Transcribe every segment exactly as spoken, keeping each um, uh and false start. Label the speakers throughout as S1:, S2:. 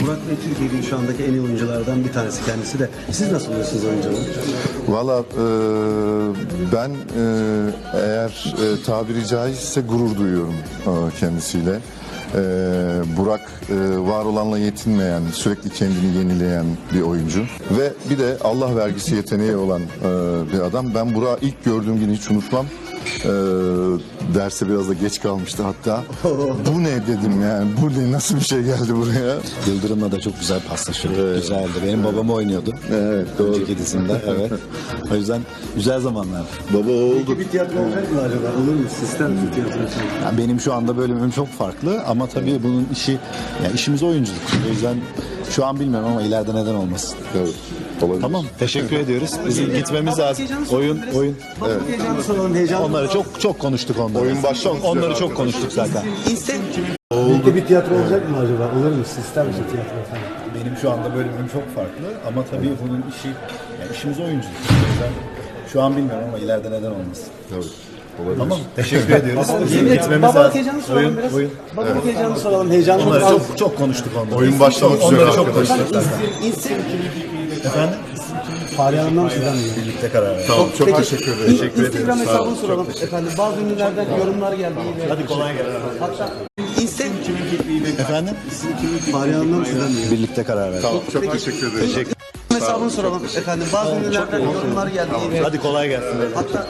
S1: Burak Bey Türkiye'nin şu andaki en iyi oyunculardan bir tanesi kendisi de. Siz nasıl buluyorsunuz oyunculuğu?
S2: Valla e, ben e, eğer e, tabiri caizse gurur duyuyorum e, kendisiyle. E, Burak e, var olanla yetinmeyen, sürekli kendini yenileyen bir oyuncu. Ve bir de Allah vergisi yeteneği olan e, bir adam. Ben Burak'ı ilk gördüğüm günü hiç unutmam. E, derse biraz da geç kalmıştı hatta. Bu ne dedim yani, bu ne, nasıl bir şey geldi buraya?
S3: Yıldırım'la da çok güzel paslaşıyorduk.
S2: Evet.
S3: Güzeldi. Benim babam oynuyordu.
S2: Evet, doğru.
S3: Önceki dizimde. Evet. O yüzden güzel zamanlar.
S2: Baba oldu.
S1: Peki bir tiyatro olacak mı acaba? Olur mu? Sistem bir tiyatro için.
S3: Yani benim şu anda bölümüm çok farklı ama tabii bunun işi, yani işimiz oyunculuk. O yüzden şu an bilmiyorum ama ileride neden olmasın.
S2: Evet, olabilir.
S3: Tamam. Teşekkür ediyoruz. Bizim gitmemiz lazım. Oyun, oyun.
S1: Evet. Heyecanlı soralım, heyecanlı.
S3: Onları çok çok konuştuk onları.
S2: Oyun başlamak
S3: Çok, onları
S2: üzere
S3: çok konuştuk zaten.
S1: Birlikte bir tiyatro olacak mı acaba? Olur mu? Sistem için tiyatro efendim.
S3: Benim şu anda bölümüm çok farklı ama tabii bunun işi, yani işimiz oyunculuk. O yüzden şu an bilmiyorum ama ileride neden olmasın.
S2: Evet, olabilir.
S3: Tamam. Teşekkür ediyoruz. Bizim gitmemiz
S1: Babalık
S3: lazım.
S1: heyecanlı soralım
S3: Oyun,
S1: biraz.
S3: oyun.
S1: Babalık heyecanlı soralım, heyecanlı.
S3: Onları
S1: Az-
S3: çok çok konuştuk onları.
S2: Oyun başlamak üzere
S3: Onları çok
S2: arkadaşlar.
S3: konuştuk zaten.
S1: İnsin.
S3: Efendim?
S1: Fahriye Hanım'dan mı sizden mi?
S3: Birlikte karar verdik.
S2: Tamam, çok
S1: Peki,
S2: teşekkür ederim.
S1: in- Instagram hesabını soralım efendim. Bazı ünlülerden yorumlar geldi.
S3: Hadi kolay gelsin.
S1: Hatta Instagram
S3: Efendim?
S1: Fahriye Hanım'dan mı sizden mi?
S3: Birlikte karar verdik.
S2: Tamam, çok teşekkür ederim.
S3: Teşekkür.
S1: Hesabını soralım efendim. Bazı ünlülerden yorumlar geldi.
S3: Hadi kolay gelsin.
S1: Hatta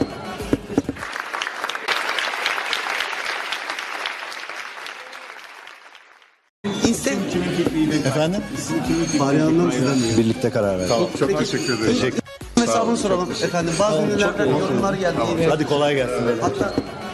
S1: Instagram
S3: Efendim?
S1: Fahriye Hanım'dan mı sizden mi?
S3: Birlikte karar verdik.
S2: Tamam, çok teşekkür ederim.
S3: Teşekkür.
S1: Hesabını soralım efendim. Bazı ünlülerden yorumlar geldi.
S3: Hadi kolay gelsin.
S1: Hatta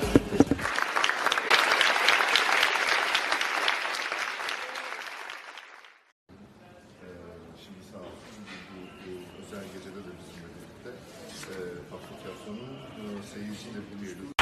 S2: Şimdi sağ olsun bu, bu özel gecede de bizimle birlikte e, Aslı Tiyatro'nun e, seyirciyle buluştuk.